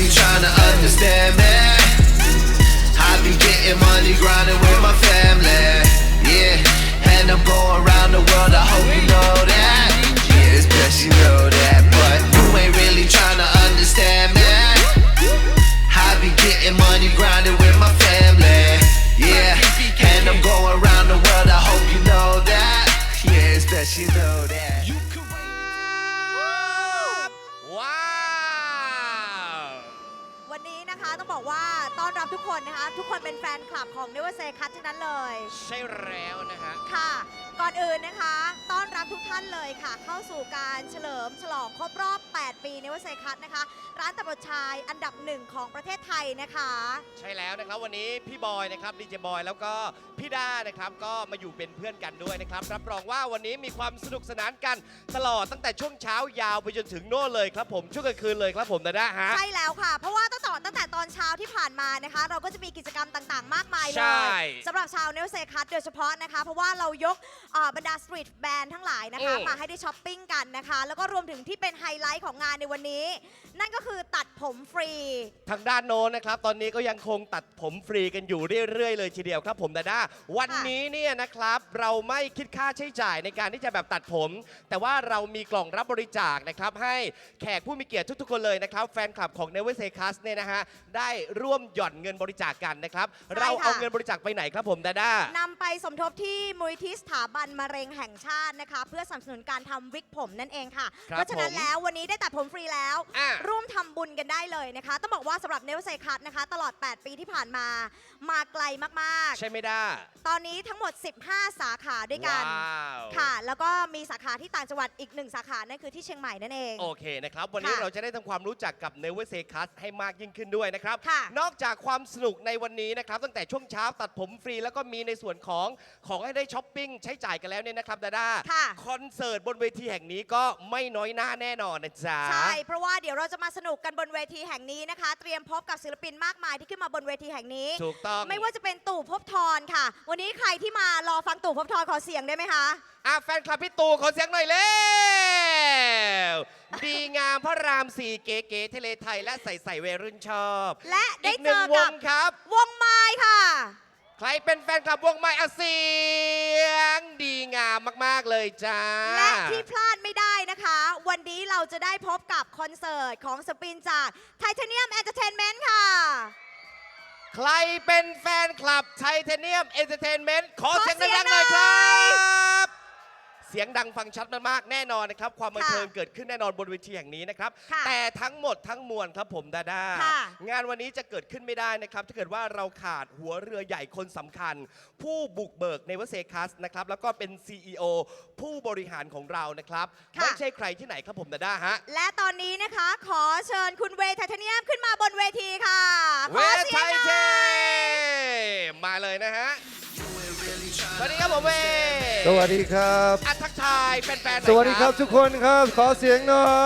really trying to understand me. I be getting money grinding with my family, yeah. And I'm going around the world, I hope you know that. Yeah, it's best you know that. But you ain't really trying to understand me. I be getting money grinding with my family, yeah. And I'm going around the world, I hope you know that. Yeah, it's best you know that. ว้าววันนี้นะคะต้องบอกว่าต้อนรับทุกคนนะคะทุกคนเป็นแฟนคลับของ Never Say Cut ทั้งนั้นเลยใช่แล้วนะฮะค่ะ ก่อนอื่นนะคะต้อนรับทุกท่านเลยค่ะเข้าสู่การเฉลิมฉลองครบรอบ 8 ปี Never Say Cut นะคะร้านตัดผมชายอันดับหนึ่งของประเทศไทยนะคะใช่แล้วนะครับวันนี้พี่บอยนะครับดีเจบอยแล้วก็พี่ด้านะครับก็มาอยู่เป็นเพื่อนกันด้วยนะครับรับรองว่าวันนี้มีความสนุกสนานกันตลอดตั้งแต่ช่วงเช้ายาวไปจนถึงโน่นเลยครับผมช่วงกลางคืนเลยครับผมนะฮะใช่แล้วค่ะเพราะว่าตั้งแต่ตอนเช้าที่ผ่านมานะคะเราก็จะมีกิจกรรมต่างๆ มากมายเลใช่ยสำหรับชาว Never Say Cut โดยเฉพาะนะคะเพราะว่าเรายกบรรดาสตรีทแบนด์ทั้งหลายนะคะมาให้ได้ช้อปปิ้งกันนะคะแล้วก็รวมถึงที่เป็นไฮไลท์ของงานในวันนี้ นั่นก็คือตัดผมฟรีทางด้านโน้นนะครับตอนนี้ก็ยังคงตัดผมฟรีกันอยู่เรื่อยๆเลยทีเดียวครับผมด้าวันนี้เนี่ยนะครับเราไม่คิดค่าใช้จ่ายในการที่จะแบบตัดผม แต่ว่าเรามีกล่องรับบริจาคนะครับให้แขกผู้มีเกียรติทุกๆคนเลยนะครับแฟนคลับของ Never Say Cut เนี่ยนะฮะได้ร่วมหย่อนเงินบริจาคกันนะครับเราเอาเงินบริจาคไปไหนครับผมด้านำไปสมทบที่มูลนิธิสถาบันมะเร็งแห่งชาตินะคะเพื่อสนับสนุนการทำวิกผมนั่นเองค่ะเพราะฉะนั้นแล้ววันนี้ได้ตัดผมฟรีแล้วร่วมทำบุญกันได้เลยนะคะต้องบอกว่าสำหรับ Never Say Cut นะคะตลอด 8 ปีที่ผ่านมาไกลมากๆใช่ไหมด้าตอนนี้ทั้งหมด 15 สาขาด้วยกันค่ะแล้วก็มีสาขาที่ต่างจังหวัดอีก1สาขานั่นคือที่เชียงใหม่นั่นเองโอเคนะครับวันนี้เราจะได้ทำความรู้จักกับ Never Say Cut ให้มากยิ่งขึ้นด้วยนะครับค่ะนอกจากความสนุกในวันนี้นะครับตั้งแต่ช่วงเช้าตัดผมฟรีแล้วก็มีในส่วนของให้ได้ช้อปปิ้งใช้จ่ายกันแล้วเนี่ยนะครับดาด้าค่ะคอนเสิร์ตบนเวทีแห่งนี้ก็ไม่น้อยหน้าแน่นอนนะจ๊ะใช่เพราะว่าเดี๋ยวเราจะมาสนุกกันบนเวทีแห่งนี้นะคะเตรียมพบกับศิลปินมากมายที่ขึ้นมาบนเวทีแห่งนี้ถูกต้องไม่ว่าจะเป็นตู่ภพบทรค่ะ วันนี้ใครที่มารอฟังตู่ภพบทรขอเสียงได้ไหมคะแฟนคลับพี่ตู่ขอเสียงหน่อยเร็วดีงามพระราม4เก๋ๆทะเลไทยและใส่วัยรุ่นชอบและได้อีกหเจนึ่งอวกับงครับวงไม้ค่ะใครเป็นแฟนคลับวงไม้เสียงดีงามมากๆเลยจ้าและที่พลาดไม่ได้นะคะ วันนี้เราจะได้พบกับคอนเสิร์ตของศิลปินจาก Titanium Entertainment ค่ะใครเป็นแฟนคลับไทเทเนียมเอนเตอร์เทนเมนต์ขอเสียงขอเสียงดังๆหน่อยคหน่รัอยบ เสียงดังฟังชัดมากๆแน่นอนนะครับ ความบันเทิงเกิดขึ้นแน่นอนบนเวทีแห่งนี้นะครับค่ะแต่ทั้งหมดทั้งมวลครับผมดาด้าค่ะงานวันนี้จะเกิดขึ้นไม่ได้นะครับ ถ้าเกิดว่าเราขาดหัวเรือใหญ่คนสำคัญ ผู้บุกเบิก Never Say Cut นะครับแล้วก็เป็น CEO ผู้บริหารของเรานะครับค่ะไม่ใช่ใครที่ไหนครับผมดาด้าฮะและตอนนี้นะคะขอเชิญคุณเวย์ไทเทเนียมขึ้นมาบนเวทีค่ะเวขอทเสีไทยงหเทน่อยมาเลยนะฮะ สวัสดีครับผมเวทสวัสดีครับทักทายแฟนๆหน่อยสวัสดีครับทุกคนครับ ขอเสียงหน่อย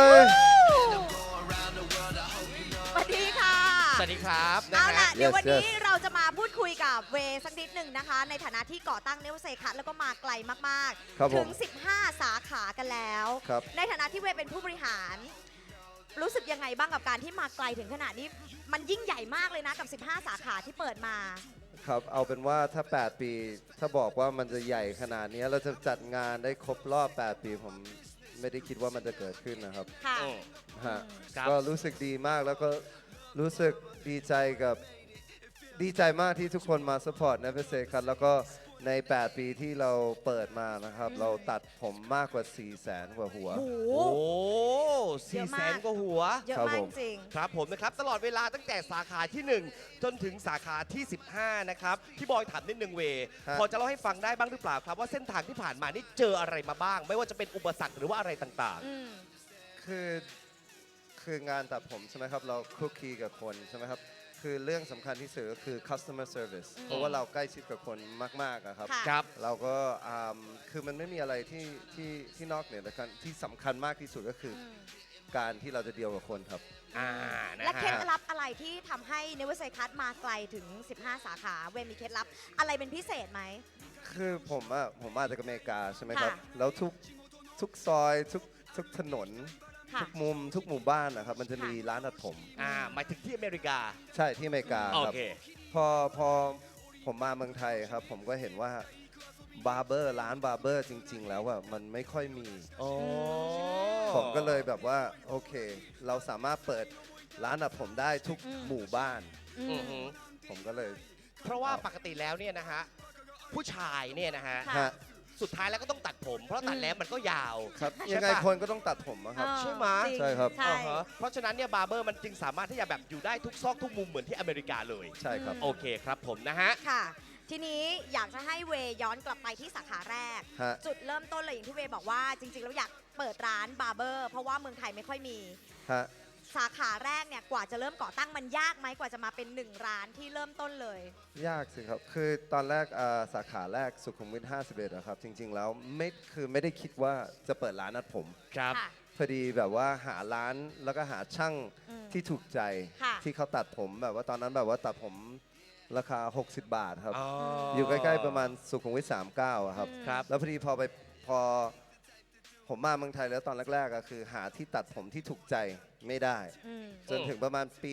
สวัสดีค่ะสวัสดีครับนะเอาฮะล่ะเดี๋ยว Yes, วันนี้ yes เราจะมาพูดคุยกับเวย์สักนิดหนึ่งนะคะ ในฐานะที่ก่อตั้ง Never Say Cut แล้วก็มาไกลมากครับๆผมถึง 15 สาขากันแล้วครับในฐานะที่เวย์เป็นผู้บริหาร รู้สึกยังไงบ้างกับการที่มาไกลถึงขนาดนี้ มันยิ่งใหญ่มากเลยนะกับ 15 สาขาที่เปิดมาครับ เอาเป็นว่าถ้า 8 ปี ถ้าบอกว่ามันจะใหญ่ขนาดนี้เราจะจัดงานได้ครบรอบ 8 ปี ผมไม่ได้คิดว่ามันจะเกิดขึ้นนะครับค่ะฮะครับก็รู้สึกดีมากแล้วก็รู้สึกดีใจมากที่ทุกคนมาสปอร์ต Never Say Cut แล้วก็ใน 8 ปีที่เราเปิดมานะครับ เราตัดผมมากกว่า 400,000 กว่าหัวโอ้โหโอ้เยอะมาก 400,000 กว่าหัวเยอะครับมากผมจริงครับผมนะครับ ตลอดเวลาตั้งแต่สาขาที่ 1 จนถึงสาขาที่ 15 นะครับ พี่บอยถามนิดนึงเวฮะพอจะเล่าให้ฟังได้บ้างหรือเปล่าครับ ว่าเส้นทางที่ผ่านมานี่เจออะไรมาบ้าง ไม่ว่าจะเป็นอุปสรรคหรือว่าอะไรต่างอืมคืองานตัดผมใช่ไหมครับ เราคุกคีกับคนใช่ไหมครับ คือเรื่องสำคัญที่สุดก็คือ customer service เพราะว่าเราใกล้ชิดกับคนมากๆอะครับค่ะๆ ครับเราก็คือมันไม่มีอะไรที่นอกเหนือจากที่สำคัญมากที่สุดก็คืออการที่เราจะเดียวกับคนครับนะและเคล็ดฮะลับอะไรที่ทำให้ Never Say Cut มาไกลถึง 15 สาขา เวย์มีเคล็ดลับอะไรเป็นพิเศษไหมคือผมมาจากอเมริกาใช่ไหมครับค่ะแล้วทุกซอยทุกถนนค่ะทุกมุมทุกหมู่บ้านนะครับมันจะมีร้านตัดผมหมายถึงที่อเมริกาใช่ที่อเมริกาโอครับเคพอผมมาเมืองไทยครับ ผมก็เห็นว่าบาร์เบอร์ร้านบาร์เบอร์จริง ๆ แล้วอ่ะมันไม่ค่อยมีอ๋อผมก็เลยแบบว่าโอเค เราสามารถเปิดร้านตัดผมได้ทุกอืมหมู่บ้านอือืมอหือผมก็เลยเพราะว่าปกติแล้วเนี่ยนะฮะผู้ชายเนี่ยนะฮะค่ะฮะสุดท้ายแล้วก็ต้องตัดผม เพราะตัดแล้วมันก็ยาวครับใช่ยังไงปะคนก็ต้องตัดผมอะครับใช่ไหมจงใช่ครับใช่อ่าฮะเพราะฉะนั้นเนี่ยบาร์เบอร์มันจึงสามารถที่จะแบบอยู่ได้ทุกซอกทุกมุมเหมือนที่อเมริกาเลยใช่ครับโอเคครับผมนะฮะค่ะ ทีนี้อยากจะให้เวย์ย้อนกลับไปที่สาขาแรกฮะจุดเริ่มต้นเลยอย่างที่เวย์บอกว่าจริงๆแล้วอยากเปิดร้านบาร์เบอร์เพราะว่าเมืองไทยไม่ค่อยมีฮะสาขาแรกเนี่ยกว่าจะเริ่มก่อตั้งมันยากไหมกว่าจะมาเป็น1ร้านที่เริ่มต้นเลยยากสิครับ คือตอนแรกสาขาแรกสุขุมวิท51นะครับ จริง ๆ แล้วไม่ได้คิดว่าจะเปิดร้านตัดผมครับค่ะพอดีแบบว่าหาร้านแล้วก็หาช่างอืมที่ถูกใจค่ะที่เขาตัดผมแบบว่าตอนนั้นแบบว่าตัดผมราคา 60 บาทครับอ๋อออยู่ใกล้ๆประมาณสุขุมวิท39อะครับอืมครับแล้วพอดีพอผมมาเมืองไทยแล้วตอนแรกๆก็คือหาที่ตัดผมที่ถูกใจไม่ได้อืมจนถึงประมาณปี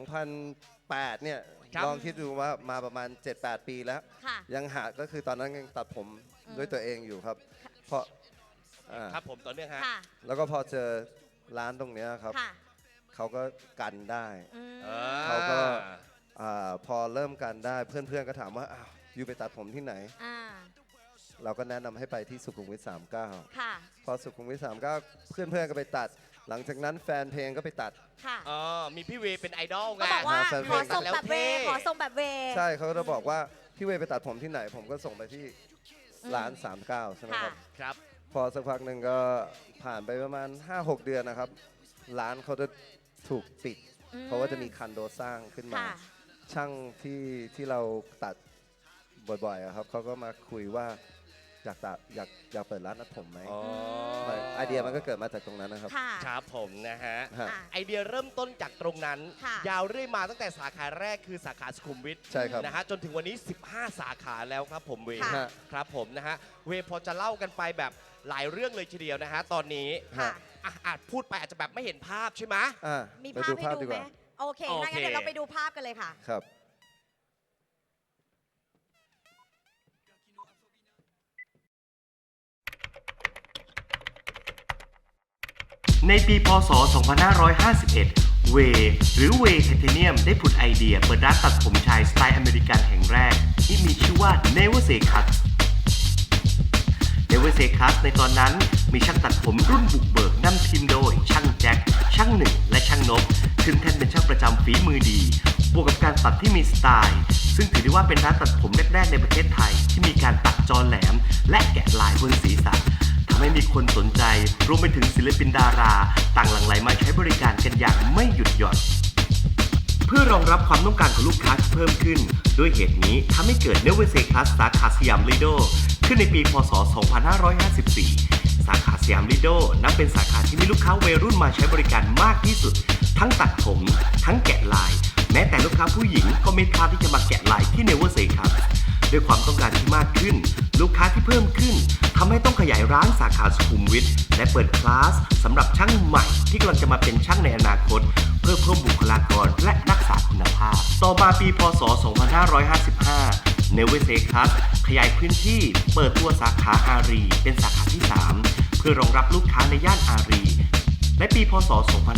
2008 เนี่ยครับลองคิดดูว่ามาประมาณ 7-8 ปีแล้วค่ะยังหาก็คือตอนนั้นยังตัดผมอืมด้วยตัวเองอยู่ครับ เพราะอ่าครับผมต่อเนื่องฮะค่ะแล้วก็พอเจอร้านตรงเนี้ยครับค่ะเขาก็กันได้อืมเขาก็ พอเริ่มกันได้เพื่อนๆก็ถามว่าอ้าวอยู่ไปตัดผมที่ไหนอ่าเราก็แนะนำให้ไปที่สุขุมวิท39 ค่ะพอสุขุมวิท39 เพื่อนๆก็ไปตัด หลังจากนั้นแฟนเพลงก็ไปตัดค่ะอ๋อ มีพี่เวย์เป็นไอดอลไงก็บอกว่าแฟนขเพลอง ส่งแบบเวย์แล้วเท่ขอส่งแบบเวย์ใช่เขาก็จะบอกว่าพี่เวย์ไปตัดผมที่ไหน ผมก็ส่งไปที่ร้าน 39 ใช่ไหมครับครับพอสักพักหนึ่งก็ผ่านไปประมาณ 5-6 เดือนนะครับ ร้านเขาจะถูกปิดอืมเพราะว่าจะมีคอนโดสร้างขึ้นมาค่ะช่างที่เราตัดบ่อยๆอะครับเขาก็มาคุยว่าอยากเปิดร้านตัดผมไหมอ๋อไอเดียมันก็เกิดมาจากตรงนั้นนะครับค่ะครับผมนะฮะฮะอ่ะไอเดียเริ่มต้นจากตรงนั้นค่ะยาวเรื่อยมาตั้งแต่สาขาแรกคือสาขาสุขุมวิทใช่ครับนะฮะจนถึงวันนี้ 15 สาขาแล้วครับผมเวย์ค่ะฮะครับผมนะฮะเวย์พอจะเล่ากันไปแบบหลายเรื่องเลยทีเดียวนะฮะตอนนี้ค่ะอาจพูดไปอาจจะแบบไม่เห็นภาพใช่ไหมอ่ะมีไปภาพดูให้ภาพดูดีไหกมว่าโอเคโอเคถ้างั้นเดี๋ยวเราไปดูภาพกันเลยค่ะครับในปีพศ 2551 เวหรือเวไทเทเนียมได้ผุดไอเดียเปิดร้านตัดผมชายสไตล์อเมริกันแห่งแรก ที่มีชื่อว่า Never Say Cut Never Say Cut ในตอนนั้นมีช่างตัดผมรุ่นบุกเบิกนำทีมโดยช่างแจ็ค ช่างหนึ่ง และช่างนกขึ้นแท่นเป็นช่างประจำฝีมือดี บวกกับการตัดที่มีสไตล์ ซึ่งถือได้ว่าเป็นร้านตัดผมแรกๆในประเทศไทยที่มีการตัดจอแหลม และแกะลายบนศีรษะทำให้มีคนสนใจรวมไปถึงศิลปินดาราต่างหลั่งไหลมาใช้บริการกันอย่างไม่หยุดหย่อน เพื่อรองรับความต้องการของลูกค้าที่เพิ่มขึ้น ด้วยเหตุนี้ทำให้เกิด Never Say Cut สาขาสยามลีโดขึ้นในปีพศ 2554 สาขาสยามลีโดนับเป็นสาขาที่มีลูกค้าวัยรุ่นมาใช้บริการมากที่สุด ทั้งตัดผม ทั้งแกะลาย แม้แต่ลูกค้าผู้หญิงก็ไม่พลาดที่จะมาแกะลายที่ Never Say Cut ด้วยความต้องการที่มากขึ้น ลูกค้าที่เพิ่มขึ้นทำให้ต้องขยายร้านสาขาสุขุมวิทและเปิดคลาสสำหรับช่างใหม่ที่กำลังจะมาเป็นช่างในอนาคต เพื่อเพิ่มบุคลากรและรักษาคุณภาพ ต่อมาปีพศ 2555 Never Say Cut ขยายพื้นที่เปิดตัวสาขาอารีเป็นสาขาที่ 3 เพื่อรองรับลูกค้าในย่านอารีและปีพศ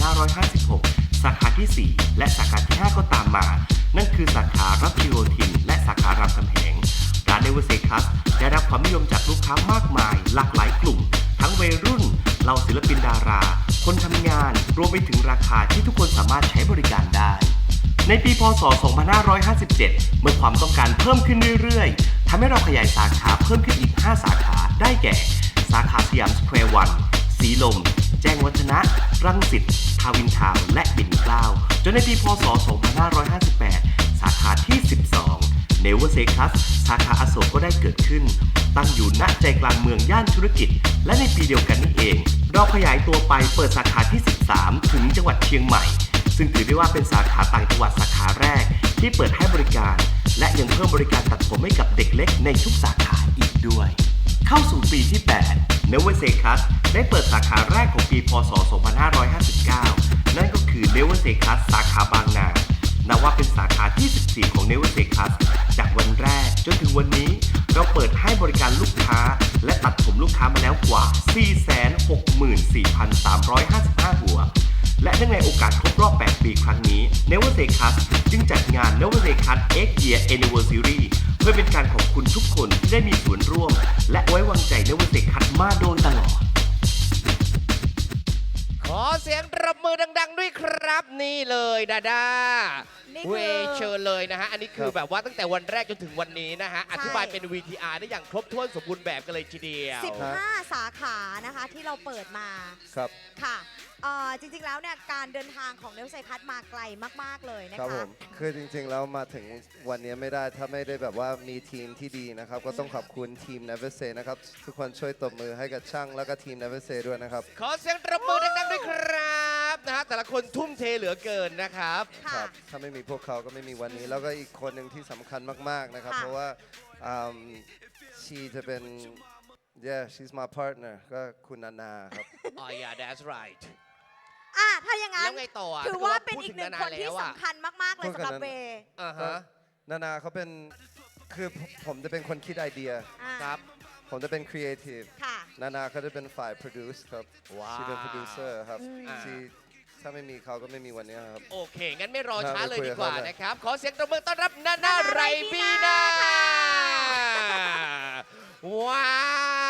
2556 สาขาที่ 4 และสาขาที่ 5 ก็ตามมา นั่นคือสาขารัชโยธินและสาขารามคำแหงร้าน Never Say Cut ได้รับความนิยมจากลูกค้ามากมายหลากหลายกลุ่ม ทั้งวัยรุ่นเหล่าศิลปินดารา คนทำงานรวมไปถึงราคาที่ทุกคนสามารถใช้บริการได้ ในปีพศ 2557 เมื่อความต้องการเพิ่มขึ้นเรื่อยๆทำให้เราขยายสาขาเพิ่มขึ้นอีก 5 สาขาได้แก่ สาขาสยามสแควร์วันสีลม แจ้งวัฒนะ รังสิต ทาวินทาวน์และปิ่นเกล้าจนในปีพศ 2558 สาขาที่ 12 Never Say Cut สาขาอโศกก็ได้เกิดขึ้น ตั้งอยู่ณใจกลางเมืองย่านธุรกิจ และในปีเดียวกันนี้เอง เราขยายตัวไปเปิดสาขาที่ 13 ถึงจังหวัดเชียงใหม่ ซึ่งถือได้ว่าเป็นสาขาต่างจังหวัดสาขาแรกที่เปิดให้บริการ และยังเพิ่มบริการตัดผมให้กับเด็กเล็กในทุกสาขาอีกด้วยเข้าสู่ปีที่ 8 Never Say Cut ได้เปิดสาขาแรกของปีพศ 2559 นั่นก็คือ Never Say Cut สาขาบางนานับว่าเป็นสาขาที่ 14 ของ Never Say Cut จากวันแรกจนถึงวันนี้เราเปิดให้บริการลูกค้าและตัดผมลูกค้ามาแล้วกว่า 464,355 หัวและเนื่องในโอกาสครบรอบ 8 ปีครั้งนี้ Never Say Cut จึงจัดงาน Never Say Cut X Year Anniversary เพื่อเป็นการขอบคุณทุกคนที่ได้มีส่วนร่วมและไว้วางใจ Never Say Cut มาโดยตลอดขอเสียงปรบมือดัง ๆ ด้วยครับนี่เลยดาดานี่คือเวเชิญเลยนะฮะอันนี้คือครับแบบว่าตั้งแต่วันแรกจนถึงวันนี้นะฮะอธิบายเป็น VTR ได้อย่างครบถ้วนสมบูรณ์แบบกันเลยทีเดียว 15 สาขานะคะที่เราเปิดมาครับค่ะจริงๆแล้วเนี่ยการเดินทางของเนลเซคัสมาไกลมากๆเลยนะครัคะผมคือจริงๆแล้วมาถึงวันนี้ไม่ได้ถ้าไม่ได้แบบว่ามีทีมที่ดีนะครับก็ต้องขอบคุณทีม Never Say นะครับทุกคนช่วยตบมือให้กับช่างแล้วก็ทีม Never Say ด้วยนะครับขอเสียงปรบมือดัง ๆ ด้วยครับนะฮะแต่ละคนทุ่มเทเหลือเกินนะครับค่ะครับถ้าไม่มีพวกเขาก็ไม่มีวันนี้ แล้วก็อีกคนหนึ่งที่สำคัญมากๆนะครับค่ะเพราะว่าชีจะเป็น yeah she's my partner ก็คุณนานาครับอ๋อ yeah that's right ถ้าอย่างนั้นแล้วไงต่ออ่ะถือว่าเป็นอีกหนึ่งคนที่แล้วอ่ะสำคัญมากๆเลยสำหรับเวอ่าฮะนานาเขาเป็นคือผมจะเป็นคนคิดไอเดียอ่าครับผมจะเป็นครีเอทีฟค่ะนานาเขาจะเป็นฝ่าย produce ครับว้าวชีเป็นโปรดิวเซอร์ครับอ่าชีถ้าไม่มีเขาก็ไม่มีวันนี้ครับโอเค งั้นไม่รอช้าน่าเลยไปคุยดีกับกว่าเขาเลยนะครับ ขอเสียงตบมือต้อนรับนานาไรบีนา ว้าว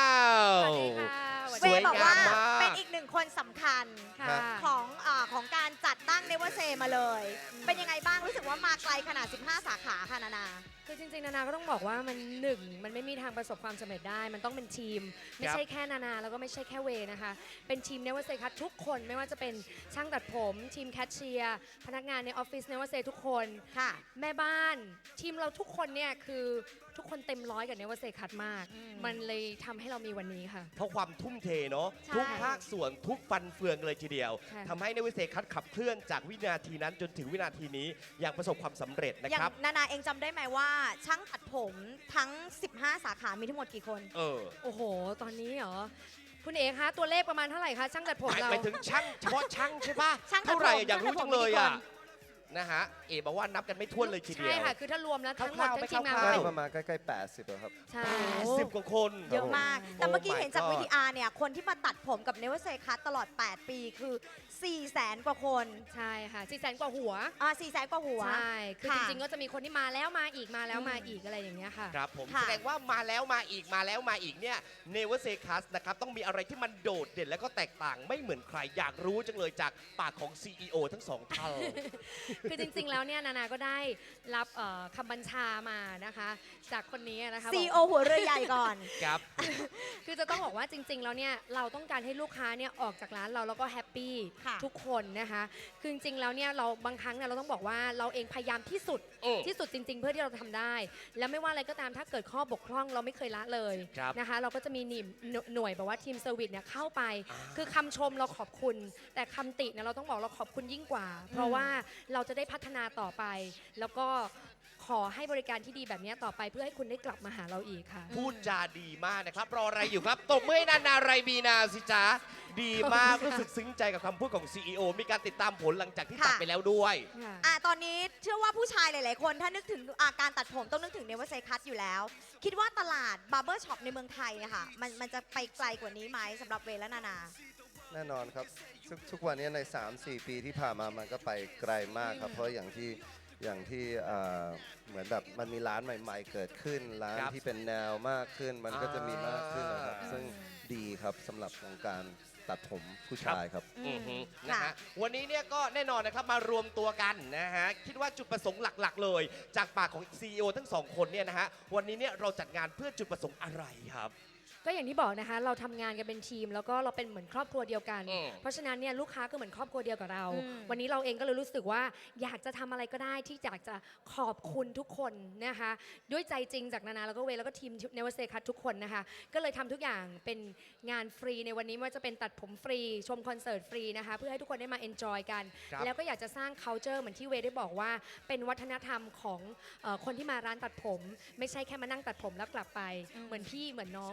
เวบอกว่าสวยงามมากเป็นอีกหนึ่งคนสำคัญค่ะของการจัดตั้งเนเวอร์เซมาเลย เป็นยังไงบ้างรู้สึกว่ามาไกลขนาด 15 สาขาค่ะนานาคือจริงๆ นานาก็ต้องบอกว่ามันไม่มีทางประสบความสำเร็จได้ มันต้องเป็นทีม ไม่ใช่แค่นานาแล้วก็ไม่ใช่แค่เวนะคะ เป็นทีมเนวเซคัททุกคนไม่ว่าจะเป็นช่างตัดผมทีมแคชเชียร์พนักงานในออฟฟิศเนวเซทุกคนค่ะแม่บ้านทีมเราทุกคนเนี่ยคือทุกคนเต็มร้อยกับเนวเซคัทมาก มันเลยทำให้เรามีวันนี้ค่ะเพราะความทุ่มเทเนาะใช่ทุกภาคส่วนทุกฟันเฟืองเลยทีเดียวค่ะทำให้ในวิเศษคัดขับเคลื่อนจากวินาทีนั้นจนถึงวินาทีนี้อย่างประสบความสำเร็จนะอย่างครับนานาเองจำได้ไหมว่าช่างตัดผมทั้ง 15 สาขามีทั้งหมดกี่คนเออโอ้โห ตอนนี้เหรอ คุณเอ๋คะตัวเลขประมาณเท่าไหร่คะช่างตัดผมเราไปถึงช่างเฉพาะช่างใช่ปะช่างตัดผมเท่าไหร่อยากรู้ช่างตัจัดงผมเลยมีกี่อ่ะคนนะฮะ เอ๋บอกว่านับกันไม่ถ้วนเลยทีเดียวใช่ค่ะ คือถ้ารวมแล้วทั้งหมดคร่าวๆทั้งทีมงานคก็ร่าวๆเป็นประมาณใกล้ๆ80อะครับใช่ 10 กว่าคนเยอะมาก แต่เมื่อกี้ Oh my เห็นจาก God วิทีอาร์เนี่ย คนที่มาตัดผมกับเนเวอร์เซคัสตลอด 8 ปีคือ 400,000 กว่าคนใช่ค่ะ400,000 กว่าหัว 400,000 กว่าหัวใช่ คือค่ะจริงๆ ก็จะมีคนที่มาแล้วมาอีกมาแล้วมาอีกอะไรอย่างเงี้ยค่ะครับผมค่ะแสดงว่ามาแล้วมาอีกมาแล้วมาอีกเนี่ย Never Say Cut นะครับต้องมีอะไรที่มันโดดเด่นและก็แตกต่างไม่เหมือนใครอยากรู้จังเลยจากปากของ CEO ทั้งสองท่านคือจริงๆ แล้วเนี่ยนานาก็ได้รับคำบัญชามานะคะ จากคนนี้นะคะ CEO หัวเรือใหญ่ก่อนครับคือจะต้องบอกว่าจริงๆ แล้วเนี่ยเราต้องการให้ลูกค้าเนี่ยออกจากร้านเราแล้วก็แฮปปี้ค่ะทุกคนนะคะ คือจริงๆ แล้วเนี่ยเราบางครั้งเนี่ยเราต้องบอกว่าเราเองพยายามที่สุดอืมที่สุดจริง ๆ เพื่อที่เราทำได้ แล้วไม่ว่าอะไรก็ตามถ้าเกิดข้อบกพร่องเราไม่เคยละเลยครับนะคะ เราก็จะมีหน่วยแบบว่าทีมเซอร์วิสเนี่ยเข้าไป คือคำชมเราขอบคุณ แต่คำติเนี่ยเราต้องบอกเราขอบคุณยิ่งกว่า เพราะว่าเราจะได้พัฒนาต่อไป แล้วก็ขอให้บริการที่ดีแบบนี้ต่อไปเพื่อให้คุณได้กลับมาหาเราอีกค่ะพูดจาดีมากนะครับ รออะไรอยู่ครับตบมือให้นานาไรบีนาสิจ๊ะดีมากรู้สึกซึ้งใจกับคำพูดของ CEO มีการติดตามผลหลังจากที่ค่ะตัดไปแล้วด้วยตอนนี้เชื่อว่าผู้ชายหลาย ๆ คนถ้านึกถึงการตัดผมต้องนึกถึงเนเวอร์เซคัสอยู่แล้ว คิดว่าตลาดบาร์เบอร์ช็อปในเมืองไทยอะค่ะมันจะไปไกลกว่านี้ไหมสำหรับเวและนานาแน่นอนครับทุกวันนี้ใน 3-4 ปีที่ผ่านมามันก็ไปไกลมากครับ เพราะอย่างที่เหมือนแบบมันมีร้านใหม่ ๆ เกิดขึ้น ร้านครับที่เป็นแนวมากขึ้น มันก็จะมีมากขึ้นนะครับ ซึ่งดีครับสำหรับของการตัดผมผู้ชายครับอือฮึค่ะนะฮะวันนี้เนี่ยก็แน่นอนนะครับมารวมตัวกันนะฮะคิดว่าจุดประสงค์หลักๆ เลย จากปากของ CEO ทั้งสองคนเนี่ยนะฮะวันนี้เนี่ยเราจัดงานเพื่อจุดประสงค์อะไรครับก็อย่างที่บอกนะคะเราทำงานกันเป็นทีม แล้วก็เราเป็นเหมือนครอบครัวเดียวกันอืมเพราะฉะนั้นเนี่ยลูกค้าก็เหมือนครอบครัวเดียวกับเราอืมวันนี้เราเองก็เลยรู้สึกว่าอยากจะทำอะไรก็ได้ที่อยากจะขอบคุณทุกคนนะคะด้วยใจจริงจากนานาแล้วก็เวแล้วก็ทีมเนวเซคัททุกคนนะคะก็เลยทำทุกอย่างเป็นงานฟรีในวันนี้ไม่ว่าจะเป็นตัดผมฟรีชมคอนเสิร์ตฟรีนะคะเพื่อให้ทุกคนได้มาเอนจอยกันครับแล้วก็อยากจะสร้าง culture เหมือนที่เวได้บอกว่าเป็นวัฒนธรรมของคนที่มาร้านตัดผม ไม่ใช่แค่มานั่งตัดผมแล้วกลับไป เหมือนพี่เหมือนน้องเหมือนคนที่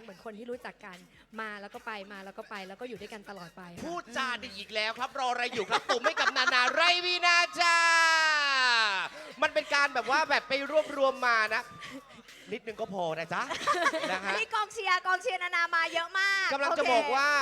ที่รู้จักกันมาแล้วก็ไปมาแล้วก็ไปแล้วก็อยู่ด้วยกันตลอดไปค่ะพูดจาดีอีกแล้วครับ รออะไรอยู่ครับตุ่มให้กับนานาไรวีนาจ้า มันเป็นการแบบว่าแบบไปรวบรวมมานะ นิดนึงก็พอนะจ๊ะ นะฮะนี่กองเชียร์นานามาเยอะมากกำลังจะโเคบอกว่า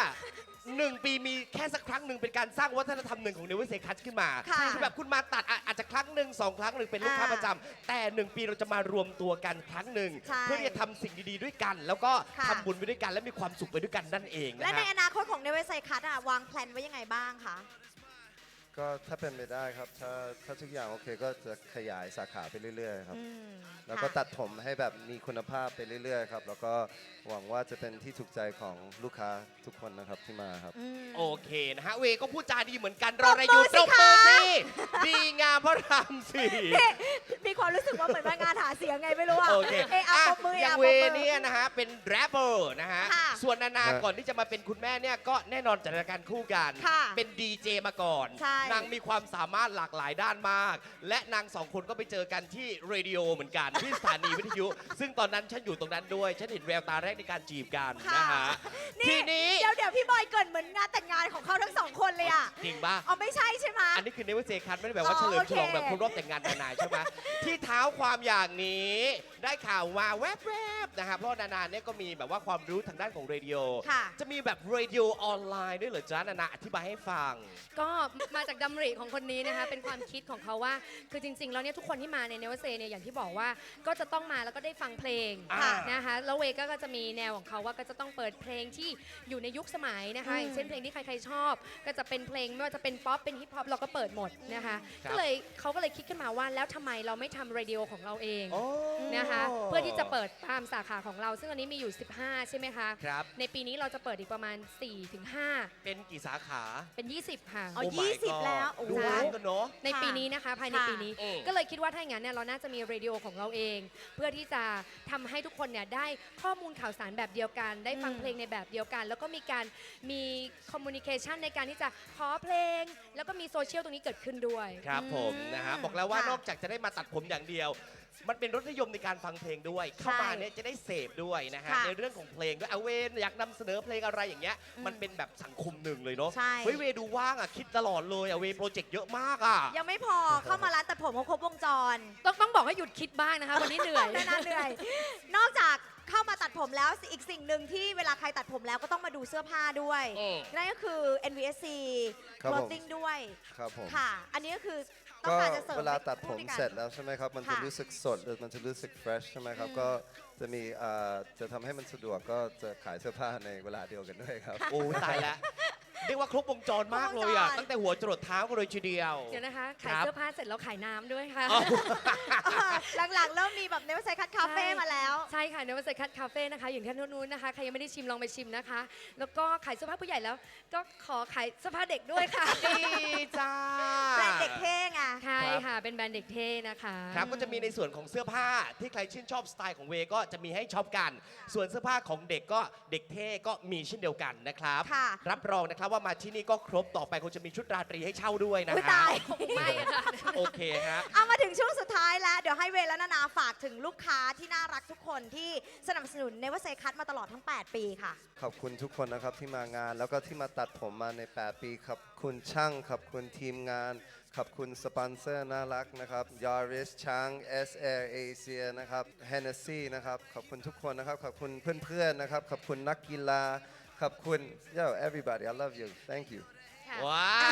1 ปีมีแค่สักครั้งหนึ่งเป็นการสร้างวัฒนธรรมหนึ่งของเนเวอร์เซคัสขึ้นมาค่ะคือแบบคุณมาตัดอาจจะครั้งหนึ่ง2 ครั้งหนึ่งเป็นลูกค้าประจำแต่ 1 ปีเราจะมารวมตัวกันครั้งหนึ่งใช่เพื่อที่จะทำสิ่งดีๆด้วยกัน แล้วก็ค่ะทำบุญไปด้วยกันและมีความสุขไปด้วยกันนั่นเองและนะในฮะอนาคตของเนเวอร์ไซคัสวางแผนไว้ยังไงบ้างคะก็ถ้าเป็นไปได้ครับ ถ้าทุกอย่างโอเคก็จะขยายสาขาไปเรื่อยๆครับอืมแล้วก็ค่ะตัดผมให้แบบมีคุณภาพไปเรื่อยๆครับ แล้วก็หวังว่าจะเป็นที่ถูกใจของลูกค้าทุกคนนะครับที่มาครับอืมโอเคนะฮะ เวก็พูดจาดีเหมือนกันรออะไรอยู่ปรบมือสิตบมือคะสิดีงามพระรามสี่นี่มีความรู้สึกว่าเหมือนมางานหาเสียงไงไม่รู้อะโอเคเอะอะปรบมืออย่างอะเวปรบมือเนี่ยนะฮะ เป็นแรปเปอร์นะฮะค่ะส่วนนานาฮะก่อนที่จะมาเป็นคุณแม่เนี่ย ก็แน่นอนจัดรายการคู่กันค่ะเป็นดีเจมาก่อนใช่นางมีความสามารถหลากหลายด้านมาก และนางสองคนก็ไปเจอกันที่เรดิโอเหมือนกัน ที่สถานีวิทยุ ซึ่งตอนนั้นฉันอยู่ตรงนั้นด้วย ฉันเห็นแววตาแรกในการจีบกันนะฮะ ทีนี้เดี๋ยวพี่บอยเกรินเหมือนงานแต่งงานของเขาทั้งสองคนเลยอะจริงป่ะเอาไม่ใช่ใช่ไหมอันนี้คือเนเวอร์เซคัทไม่ได้แบบว่าอ๋อเฉลิมฉลองโอเคแบบครบรอบแต่งงานนานาใช่ไหม ที่เท้าความอย่างนี้ ได้ข่าวมาแวบๆนะครับเพราะนานาเนี่ยก็มีแบบว่าความรู้ทางด้านของเรดิโอค่ะจะมีแบบเรดิโอออนไลน์ด้วยเหรอจ๊ะนานาอธิบายให้ฟังก็มาจากดำริของคนนี้นะคะ เป็นความคิดของเขาว่าคือจริงๆแล้วเนี่ยทุกคนที่มาในเนวเซเนี่ยอย่างที่บอกว่าก็จะต้องมาแล้วก็ได้ฟังเพลงอ่านะคะแล้วเวก็จะมีแนวของเขาว่าก็จะต้องเปิดเพลงที่อยู่ในยุคสมัยนะคะอืมอย่างเช่นเพลงที่ใครๆชอบ ก็จะเป็นเพลงไม่ว่าจะเป็นป๊อปเป็นฮิปฮอปเราก็เปิดหมดนะคะครับก็เลยเขาก็เลยคิดขึ้นมาว่าแล้วทำไมเราไม่ทำเรดิโอของเราเองโอ้นะคะเพื่อที่จะเปิดตามสาขาของเรา ซึ่งอันนี้มีอยู่ 15 ใช่ไหมคะครับในปีนี้เราจะเปิดอีกประมาณ 4-5 เป็นกี่สาขาเป็น 20 ค่ะอ๋อ Oh my 20 God แล้วโอ้โหดูร้านกันเนาะในปีนี้นะคะภายในค่ะปีนี้อืมก็เลยคิดว่าถ้าอย่างนั้นเนี่ยเราน่าจะมีเรดิโอของเราเอง เพื่อที่จะทำให้ทุกคนเนี่ยได้ข้อมูลข่าวสารแบบเดียวกัน ได้ฟังอืมเพลงในแบบเดียวกัน แล้วก็มีคอมมูนิเคชันในการที่จะขอเพลง แล้วก็มีโซเชียลตรงนี้เกิดขึ้นด้วยครับผมอืมนะฮะบอกแล้วว่าค่ะนอกจากจะได้มาตัดผมอย่างเดียว มันเป็นรสนิยมในการฟังเพลงด้วย เข้ามาเนี่ยจะได้เสพด้วยนะฮะค่ะในเรื่องของเพลงด้วยเอาเวนอยากนำเสนอเพลงอะไรอย่างเงี้ยอืมมันเป็นแบบสังคมหนึ่งเลยเนาะใช่เฮ้ยเวดูว่างอ่ะคิดตลอดเลยอ่ะเวโปรเจกต์เยอะมากอ่ะยังไม่พอเข้ามาร้านตัดผมเขาครบวงจรต้องบอกให้หยุดคิดบ้างนะคะวันนี้เหนื่อยนานๆเหนื่อย นอกจากเข้ามาตัดผมแล้วอีกสิ่งหนึ่งที่เวลาใครตัดผมแล้วก็ต้องมาดูเสื้อผ้าด้วยอืมนั่นก็คือ NVSC ครับผม clothing ด้วยครับผมค่ะ อันนี้ก็คือต้อก็งการจะเสริมเวลาตัดผมให้คู่ด้วยกันเสร็จแล้วใช่ไหมครับ มันจะค่ะรู้สึกสดหรือมันจะรู้สึกเฟรชใช่ไหมครับอืมก็จะมีจะทำให้มันสะดวกก็จะขายเสื้อผ้าในเวลาเดียวกันด้วยครับโอ้ตายแล้วเรียกว่าครบวงจรมากเลยอ่ะครบวงจรตั้งแต่หัวจรดเท้ากันเลยทีเดียวเดี๋ยวนะคะคขายรับเสื้อผ้าเสร็จแล้วขายน้ำด้วยค่ะอ๋อหลังๆ เริ่มมีแบบเนวไซคัทคาเฟ่มาแล้วใช่ค่ะเนวเซคัทคาเฟ่นะคะ อยู่ที่นู้นนะคะ ใครยังไม่ได้ชิมลองไปชิมนะคะ แล้วก็ขายเสื้อผ้าผู้ใหญ่แล้ว ก็ขอขายเสื้อผ้าเด็กด้วยค่ะดีจ้าแบรนด์เด็กเท่ไงใช่ค่ะ เป็นแบรนด์เด็กเท่นะคะครับก็จะมีในส่วนของเสื้อผ้าที่ใครชื่นชอบสไตล์ของเวก็จะมีให้ช็อปกัน ส่วนเสื้อผ้าของเด็กก็เด็กเท่ก็มีเช่นเดียวกันนะครับค่ะรับรองนะครับว่ามาที่นี่ก็ครบต่อไปคงจะมีชุดราตรีให้เช่าด้วยนะอุ๊ยฮะตายไม่อะค่ะโอเคฮะเอามาถึงช่วงสุดท้ายแล้ว เดี๋ยวให้เวย์และนานาฝากถึงลูกค้าที่น่ารักทุกคนที่สนับสนุนเนวไซคัทมาตลอดทั้ง 8 ปีค่ะขอบคุณทุกคนนะครับที่มางาน แล้วก็ที่มาตัดผมมาใน 8 ปีขอบคุณช่าง ขอบคุณทีมงาน ขอบคุณสปอนเซอร์น่ารักนะครับ Yaris ช้าง S Air Asia นะครับ Hennessy นะครับ ขอบคุณทุกคนนะครับ ขอบคุณเพื่อนๆนะครับ ขอบคุณนักกีฬา ขอบคุณ Yo everybody I love you thank you ค่ะว้าว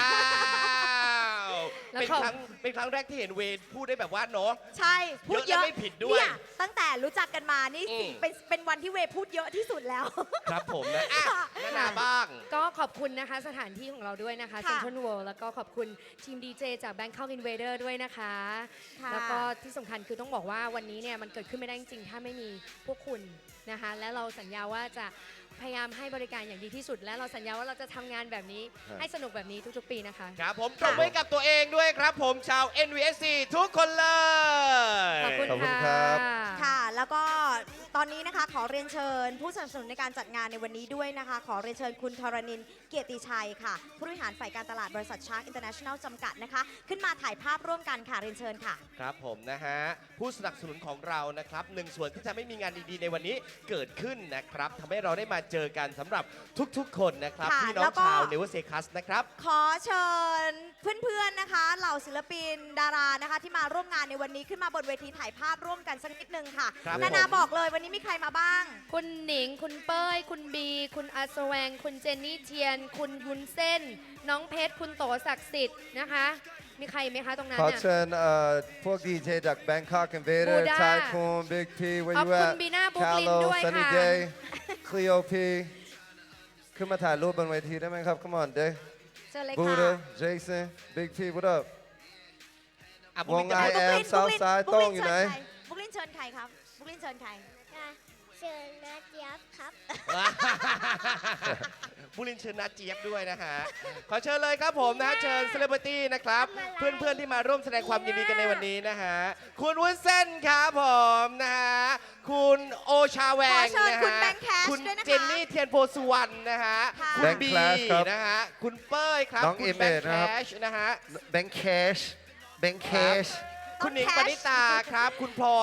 แล้วเป็นขอบครั้งแรกที่เห็นเวพูดได้แบบว่าเนาะใช่ พูดเยเยอะอะและไม่ผิดด้วยเนี่ยตั้งแต่รู้จักกันมานี่อืมเป็นวันที่เวย์พูดเยอะที่สุดแล้วครับผมนะอ่ะนานาบ้างก็ขอบคุณนะคะสถานที่ของเราด้วยนะคะค่ะ Central World แล้วก็ขอบคุณทีมดีเจจาก Bangkok Invader ด้วยนะคะค่ะแล้วก็ที่สำคัญคือต้องบอกว่าวันนี้เนี่ยมันเกิดขึ้นไม่ได้จริงๆถ้าไม่มีพวกคุณนะคะ และเราสัญญาว่าจะพยายามให้บริการอย่างดีที่สุด และเราสัญญาว่าเราจะทำงานแบบนี้ครับให้สนุกแบบนี้ทุกๆปีนะคะครับผมปรบมือให้กับตัวเองด้วยครับผมชาว NVSC ทุกคนเลยขอบคุณขอบคุณค่ะครับค่ะ แล้วก็ตอนนี้นะคะขอเรียนเชิญผู้สนับสนุนในการจัดงานในวันนี้ด้วยนะคะ ขอเรียนเชิญคุณธรณินทร์เกียรติชัยค่ะ ผู้บริหารฝ่ายการตลาดบริษัทชาร์กอินเตอร์เนชั่นแนลจำกัดนะคะ ขึ้นมาถ่ายภาพร่วมกันค่ะเรียนเชิญค่ะครับผมนะฮะผู้สนับสนุนของเรานะครับหนึ่งส่วนที่จะไม่มีงานดีๆในวันนี้เกิดขึ้นนะครับทำให้เราได้มาเจอกันสำหรับทุกๆ คนนะครับค่ะพี่น้อแล้งวก็ชาวเนเวอร์เซคัสนะครับขอเชิญเพื่อนๆนะคะเหล่าศิลปินดารานะคะ ที่มาร่วมงานในวันนี้ขึ้นมาบนเวทีถ่ายภาพร่วมกันสักนิดนึงค่ะครับนานาผมบอกเลยวันนี้มีใครมาบ้างคุณหนิง คุณเป้ย คุณบี คุณอาสแวง คุณเจนนี่เทียน คุณวุ้นเส้น น้องเพชร คุณโตศักดิ์สิทธิ์นะคะ มีใครไหมคะตรงนั้นขอน่ะเชิญพวกดีเจจาก Bangkok Invader Buddha Tycoon Big P where ขอบ you คุณ at บีน่าบุ๊กลิน Callow ด้วย Sunny ค่ะ Day Cleo P ขึ้นมาถ่ายรูปบนเวทีได้ไหมครับ Come on Day เชิญเลยค่ะ Buddha Jason Big P what up อ่ะวงบุ๊กลิน I am Southside โต้งอยู่ไหนบุ๊กลินเชิญใครครับบุ๊กลินเชิญใครเชิญนะเจี๊ยบครับบุรินทร์เชิญนาเจี๊ยบด้วยนะฮะ ขอเชิญเลยครับผมนะฮะเชิญเซเลบริตี้นะครับ เพื่อนๆที่มาร่วมแสดงความยินดีกันในวันนี้นะฮะ คุณวุ้นเส้นครับผมนะฮะ คุณโอชาแวงขอเชิญนะคุณฮะแบงค์แคชคุณด้วยนะคะเจนนี่เทียนโพสุวรรณนะฮะค่ะคุณแบงค์บีแคชครับนะฮะ คุณเป้ยครับน้องคุณเอเมแบงดค์นะแคครับชนะฮะ Bank Cash Bank Cash คุณหนิงปณิตาครับ คุณพลอย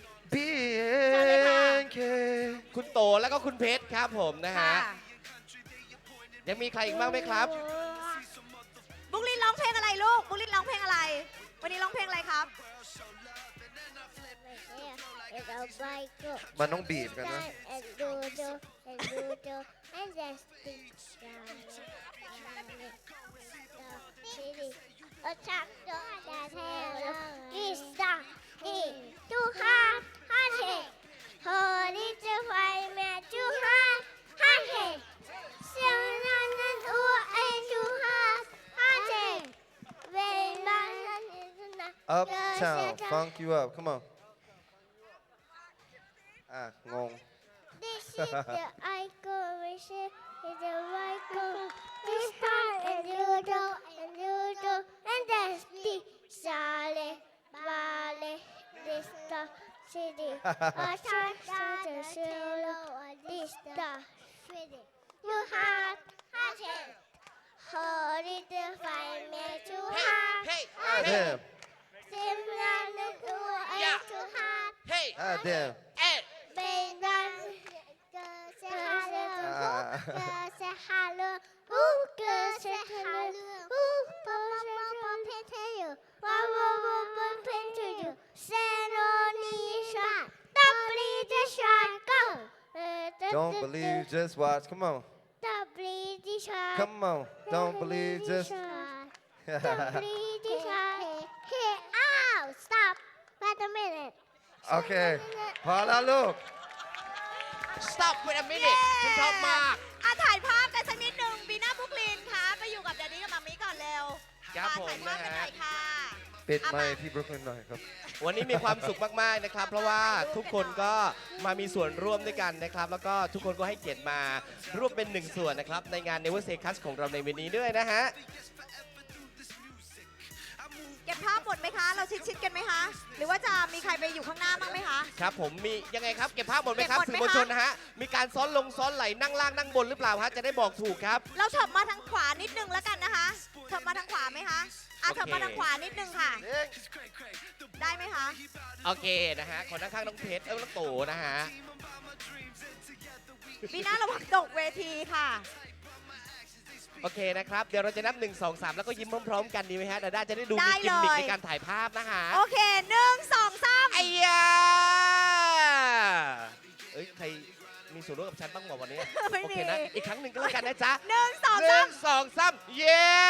Bank Cash คุณโตแล้วก็คุณเพชรครับผมนะฮะค่ะยังมีใครอีกบ้างไหมครับบุ๊กลินร้องเพลงอะไรลูก บุ๊กลินร้องเพลงอะไร วันนี้ร้องเพลงอะไรครับมันต้องบีบกันนะ Uptown funk you up come on อ่ะงง This is the icon, which is the icon. We start and doodle and doodle, and that's the Sale, Vale, this the city. A church to the solo, this the city. You have it. Hold it to find me to have. Hey, Ah damn Simran to Yeah. to have. Hey, Ah damn เอ๊ะ Beidan, say hello, say hello, say hello, to you, to you, say no need don't believe the shark, go. Don't believe just watch come on Don't believe the shark. come on don't believe just Don't believe the shark. Hey, ow, stop. Wait a minute. โอเค พอแล้วลูก stop wait a minute ฉันชอบมากถ่ายภาพกันสักนิดหนึ่งบีน่าบุ๊กลินค่ะไปอยู่กับแดดดี้กับมัมมี่ก่อนเร็วครับมาผมถ่ายภาพกันหน่อยค่ะปิดไมค์ที่บรุกลินหน่อยครับวันนี้มีความสุขมากๆนะครับ เพราะว่าทุกคนก็มามีส่วนร่วมด้วยกันนะครับ แล้วก็ทุกคนก็ให้เกียรติมาร่วมเป็นหนึ่งส่วนนะครับ ในงาน Never Say Cuts ของเราในวันนี้ด้วยนะฮะเก็บภาพหมดไหมคะ เราชิดๆกันไหมคะ หรือว่าจะมีใครไปอยู่ข้างหน้าบ้างไหมคะครับผมมียังไงครับเก็บภาพหมดไหมครับเก็บหมดสื่ไหมอมวลชนคะนะฮะมีการซ้อนไหลนั่งล่างนั่งบนหรือเปล่าฮะจะได้บอกถูกครับเราเถิบมาทางขวานิดนึงแล้วกันนะคะ เถิบมาทางขวาไหมคะโอเคเถิบมาทางขวานิดนึงค่ะ ได้ไหมคะโอเคนะฮะขอนั่งข้างน้องเพชรน้องโตนะฮะบีน่าระวังตกเวทีค่ะโอเคนะครับ เดี๋ยวเราจะนับ 1 2 3 แล้วก็ยิ้มพร้อมๆกันดีไหมฮะดาด้าจะได้ดูได้มีกิมมิคเลยในการถ่ายภาพนะฮะโอเค1 2 3 ไอ้ยาเอ้ยใครมีส่วนร่วมกับฉันบ้างหมดวันนี้ไม่มีโอเคนะอีกครั้งหนึ่งก็แล้วกันนะจ๊ะ 1 2 หนึ่ง 3 สองสามเย้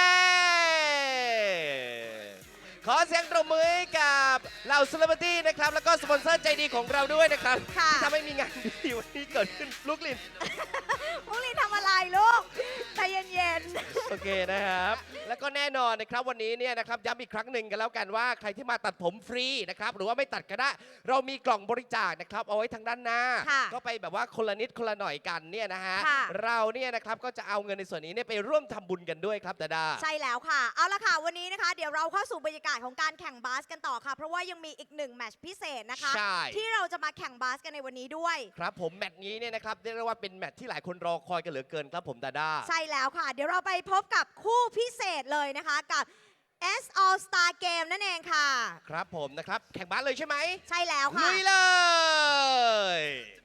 ขอเสียงปรบมือให้กับเหล่าเซเลบริตี้นะครับ แล้วก็สปอนเซอร์ใจดีของเราด้วยนะครับค่ะที่ทำให้มีงานดีวันนี้เกิดขึ้นลูกลินพวกนี้ทำอะไรลูกใจเย็นโอเคนะครับๆแล้วก็แน่นอนนะครับวันนี้เนี่ยนะครับย้ำอีกครั้งหนึ่งกันแล้วกันว่าใครที่มาตัดผมฟรีนะครับหรือว่าไม่ตัดก็ได้เรามีกล่องบริจาคนะครับเอาไว้ทางด้านหน้าค่ะก็ไปแบบว่าคนละนิดคนละหน่อยกันเนี่ยนะฮะค่ะเราเนี่ยนะครับก็จะเอาเงินในส่วนนี้เนี่ยไปร่วมทำบุญกันด้วยครับดาดาใช่แล้วค่ะ เอาละค่ะวันนี้นะคะ เดี๋ยวเราเข้าสู่บรรยากาศของการแข่งบาสกันต่อค่ะ เพราะว่ายังมีอีกหนึ่งแมตช์พิเศษนะคะใช่ที่เราจะมาแข่งบาสกันในวันนี้ด้วยครับผมแมตช์นี้เนี่ยนะครับเรียกได้ว่าเป็นแมตช์ที่หลายคนรอคอยกันเหลือเกินครับผมดาดาใช่แล้วค่ะ เดี๋ยวเราไปพบกับคู่พิเศษเลยนะคะกับ S All Star Game นั่นเองค่ะครับผมนะครับแข่งบาสเลยใช่ไหมใช่แล้วค่ะลุยเลย